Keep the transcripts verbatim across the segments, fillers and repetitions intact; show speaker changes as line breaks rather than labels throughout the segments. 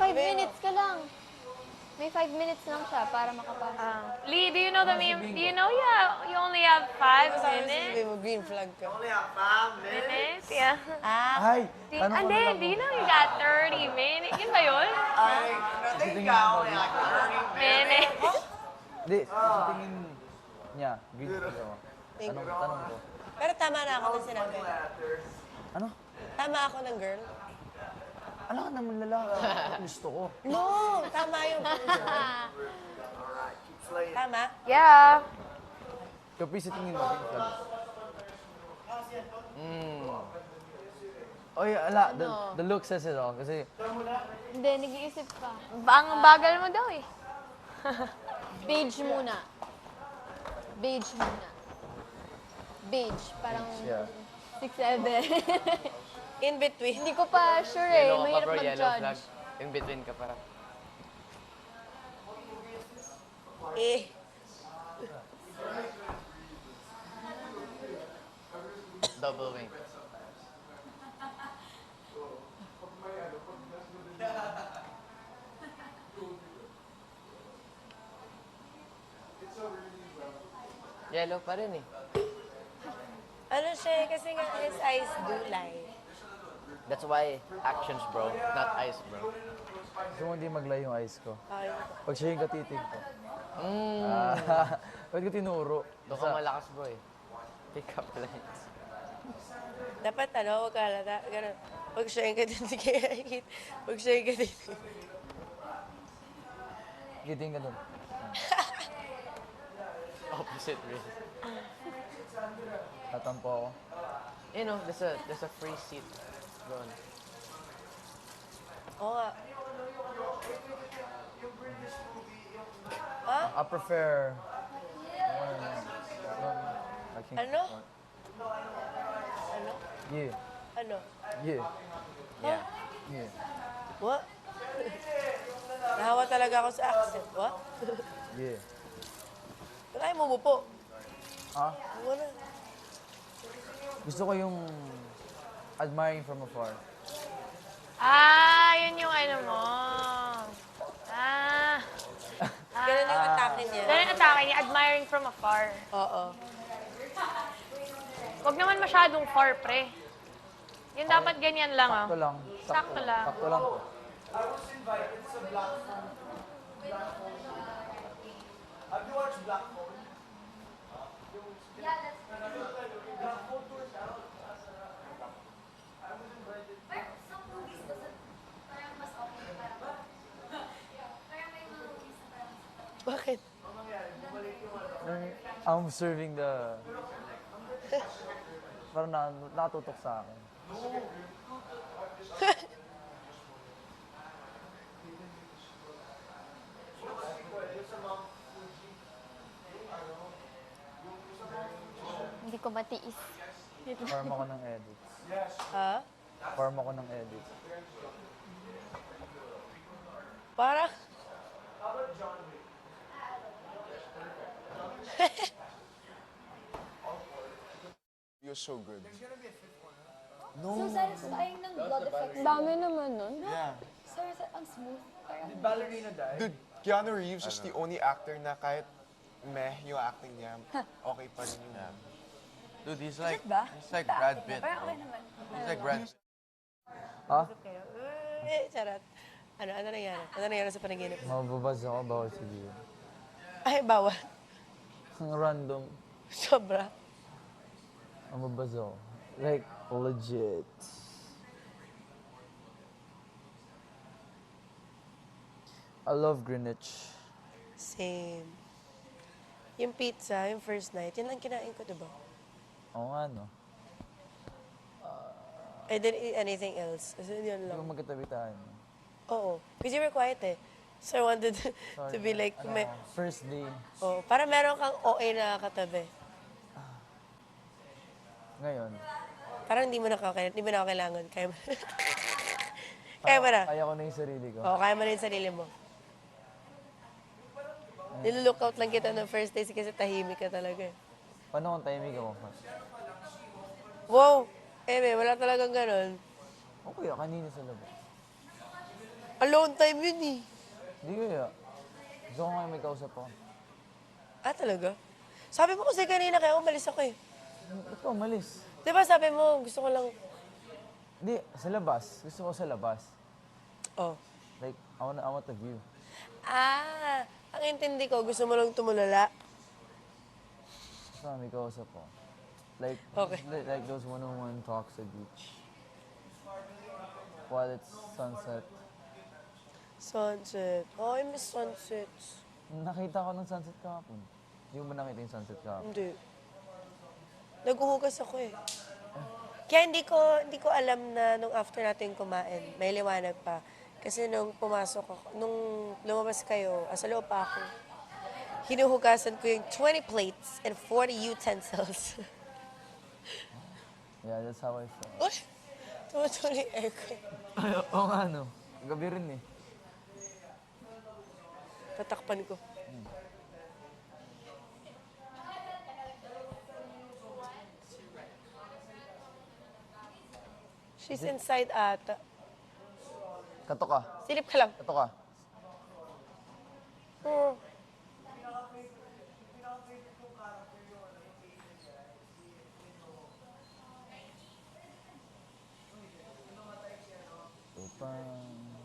five minutes ka lang. May five minutes lang siya para makapasok.
Ah. Lee, do you know the meme? Do you know yeah, you only have five
Sabi
minutes?
mo, green flag ka.
Minutes? Yeah.
Ah,
Ay,
Di,
tanong ko
ande,
na lang.
do you know you got thirty minutes? Yun ba yun?
Sa tingin mo,
Minutes.
Hindi, sa tingin niya, green flag ako. Tanong, tanong ko.
pero tama na ako ng sinabi.
Ano?
Tama ako ng girl.
Alam ka naman lalaki. Gusto ko.
No, tama yung Tama?
Yeah.
Kapi sa tingin mo, green flag. Mm. Oy, ala, the, the look says it all. Kasi,
Hindi, nag-iisip pa.
Ang bagal mo daw eh.
Beige muna. Beige muna. Beige, parang
yeah.
six seven.
In between.
Hindi ko pa sure eh.
Yellow ka
Mahirap
bro, yellow flag.
mag-judge.
In between ka parang.
Eh.
Double wing. Yellow pa rin eh.
Ano siya, eh, kasi nga his eyes do lie.
That's why actions bro, not eyes bro.
gusto mo hindi maglay yung eyes ko.
Okay.
Pag siya yung katitig ko.
Mm.
Ah, ba't ko tinuro?
Doon ka malakas bro eh. Pick up lines.
Dapat ano, huwag ka halata. Ganun. Pag siya yung katitig, pag siya yung katitig.
Giting ka dun.
Opposite really.
Tatampo ako.
You know, there's a, there's a free seat. Doon.
Oo nga. Ha?
I prefer... I think-
Ano? Ano?
Yeah,
Ano?
yeah,
Yeah.
yeah,
What? Nahawa talaga ako sa accent. What?
yeah.
Kaya mo bupo.
Ah,
Wala.
gusto ko yung admiring from afar.
Ah, yun yung ano mo. Ah.
Ganun yung atake niya.
Ganun ang atake niya, admiring from afar.
Oo.
Huwag naman masyadong far, pre. Yun dapat ganyan lang, ah.
Sakto lang.
Sakto lang.
Sakto lang to.
Bakit?
I'm serving the... Parang na, nakatutok sa akin.
Hindi ko matiis.
Farm ako ng edits.
Ha?
Farm ako ng edits.
Parang...
You're so good.
So satisfying ng blood effects. Dami naman nun.
Yeah.
Sir, ang smooth. Parang
Dude, Keanu Reeves is the only actor na kahit meh yung acting niya, okay pa rin yung...
Dude, he's like, he's like Brad Pitt bro. He's like Brad Pitt.
Ha?
Eh, charot. Ano, ano nangyari? Ano nangyari sa panaginip?
Mababaz ako, bawal sabihin.
Ay, bawal.
Ang random.
Sobra.
Mababaz ako. Like, legit. I love Greenwich.
Same. Yung pizza, yung first night, yun lang kinain ko, diba?
Oo nga, no?
I didn't eat anything else. Kasi yun
Hindi
lang.
ko magkatabi tayo.
Oo. Because you were quiet eh. So I wanted to
Sorry.
be like,
Ano,
may,
first day.
oh, para meron kang O A na katabi.
Ngayon.
Parang hindi mo na kaya, hindi mo na ako kailangan. Kaya mo, kaya mo na.
Kaya ko na yung sarili ko.
Oo, kaya mo na yung sarili mo. Nilook out lang kita ng first day kasi tahimik ka talaga eh.
Paano kung timing ako?
Wow! Eh, may, wala talagang ganun.
Okay, kanina sa labas.
Alone time yun eh.
Hindi kaya. Gusto ko ngayon may kausap ako.
Ah, talaga? Sabi mo kasi kanina kaya umalis ako eh.
Ito, malis.
Di ba sabi mo, gusto ko lang...
Hindi, sa labas. Gusto ko sa labas.
Oh.
Like, I want, I want the view.
Ah, ang intindi ko, gusto mo lang tumulala.
Gusto ko may kausap ako. Like,
Okay.
like, like those one-on-one talks at beach. While it's sunset.
Sunset. Oh, I miss sunsets.
Nakita ko ng sunset kahapon. Hindi mo ba nakita yung sunset kahapon?
Hindi. Naghuhugas ako eh. Kaya hindi ko, hindi ko alam na nung after natin kumain, may liwanag pa. Kasi nung pumasok ako, nung lumabas kayo, asa loob pa ako, hinuhugasan ko yung twenty plates and forty utensils.
Yeah, that's how I felt.
Uy! Tumutuloy yung aircon.
Ay, oo nga, no. Gabi rin eh.
Tatakpan ko. She's inside ata.
Kato ka.
Silip ka lang.
Kato ka.
Hmm.
Upang...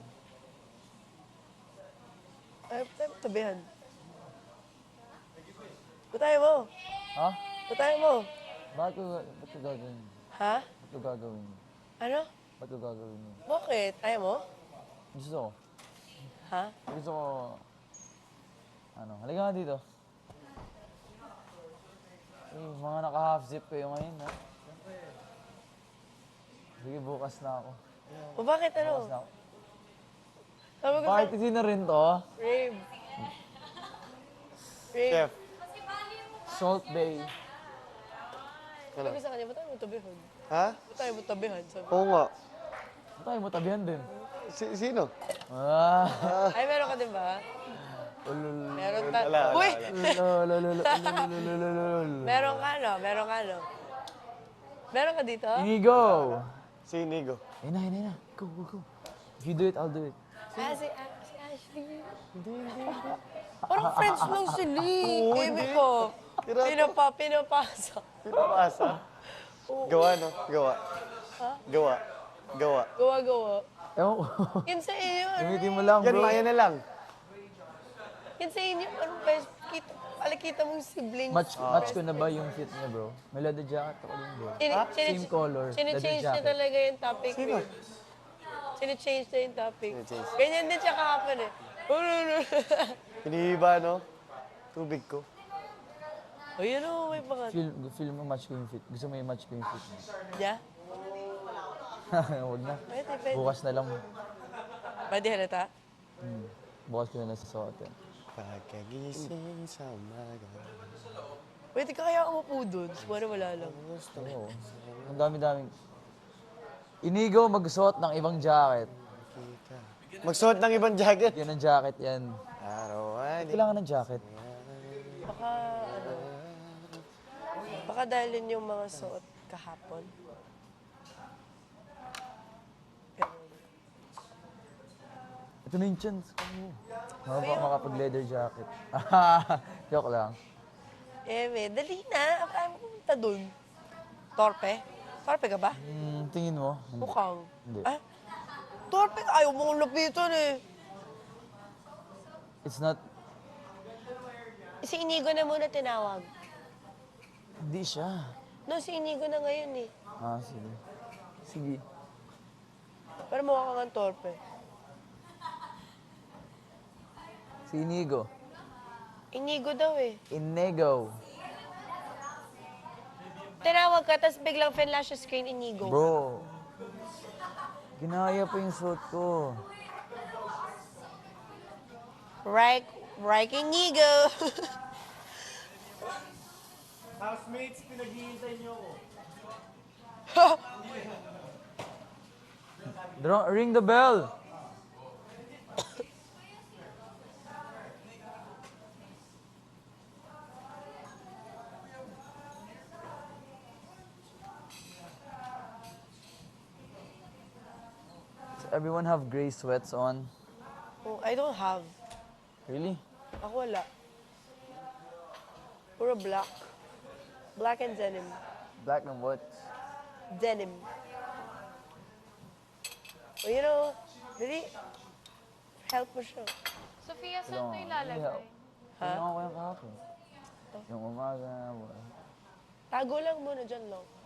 Ay, tayo tabihan. Butay mo.
Ha?
Butay mo.
Bakit ko, ba't ko gagawin?
Ha?
Ba't ko gagawin?
Ano?
Ba't ko gagawin yun?
Bakit? Ayaw mo?
Gusto ko.
Ha?
Gusto ko... Ano, halika nga dito. Eh, mga naka-half zip kayo ngayon, ha? Sige, bukas na ako.
O bakit
Bukas na
ano?
ako.
Sabi ko
Bakit
sa...
hindi na rin to?
Rave. Rave.
Chef,
Salt Bay.
Sabi ko sa kanya, ba't tayo mo tabihan?
ha?
Ba't tayo mo tabihan? Sabi
Oo nga.
Ba't tayo mo tabihan din?
Si- sino?
Ah!
Ay, meron ka din ba?
Ulul.
Meron ta...
Wala, wala,
Uy!
Ulululululululululul.
Meron ka, no? Meron ka, no? Meron ka dito?
Inigo!
Si Inigo.
Ayun na, ayun na, ayun na. Go, go, go. If you do it, I'll do it.
Ah, si, ah, si Ashley. Hindi, hindi. Parang friends lang sila eh. Baby ko.
Tira-
Pinapa, pinapasa.
Pinapasa. Gawa, no? Gawa. Gawa. Gawa.
Gawa-gawa.
Ewan ko.
Yun sa iyo, ano?
Gamitin mo lang,
Yan,
bro.
maya na lang.
Yun sa inyo, ano ba? Kita, alakita mong siblings.
Match, match ko na ba yung fit niya, bro? May leather jacket ako din, bro.
Chine- chine-
Same color, leather
Chine-change niya
jacket.
talaga yung topic.
Sino?
eh. Chine-change na yung topic.
Chine-change.
Ganyan din siya kahapon eh.
Hinihiba, no? Tubig ko.
O yun o, may pangat.
Feel, feel mo match ko yung fit. Gusto mo yung match ko yung fit niya.
Yeah?
Huwag na.
Pwede, pwede.
Bukas na lang.
Pwede halata?
Hmm. Bukas ko na lang sa suotin.
Pagkagising sa umaga.
Pwede ka kaya umupo doon. Wala, wala lang.
Oo. Ang dami-daming... Inigo magsuot ng ibang jacket.
Magsuot ng ibang jacket.
Yan ang jacket, yan.
Arawan.
Kailangan ng jacket.
Baka, ano, baka dahil yun yung mga suot kahapon. Ganun.
Ito na yung chance ko. Maka, makapag-leather jacket. Joke lang.
Eh, may, dali na. Kaya mo pumunta doon. Torpe? Torpe ka ba?
Hmm, tingin mo?
Mukhang.
Hindi.
Ah, torpe ka. Ayaw mong lapitan eh.
It's not...
Si Inigo na muna tinawag.
Hindi siya.
No, si Inigo na ngayon eh.
Ah, sige. Sige.
Pero mukha kang torpe.
Si Inigo.
Inigo daw eh.
Inigo.
Tinawag ka, tapos biglang finlash yung screen, Inigo.
Bro. Ginaya pa yung suot ko.
Right, right, Inigo.
Housemates, pinaghihintay niyo ako.
Dro- ring the bell. Does everyone have gray sweats on?
Oh, I don't have.
Really?
Ako wala. Puro black. Black and denim.
Black and what?
Denim. Well, you know, really, help mo siya.
Sofia, saan ito ilalagay?
Ha? Ano ko yung kahapon? Yung umaga.
Tago lang muna dyan, long.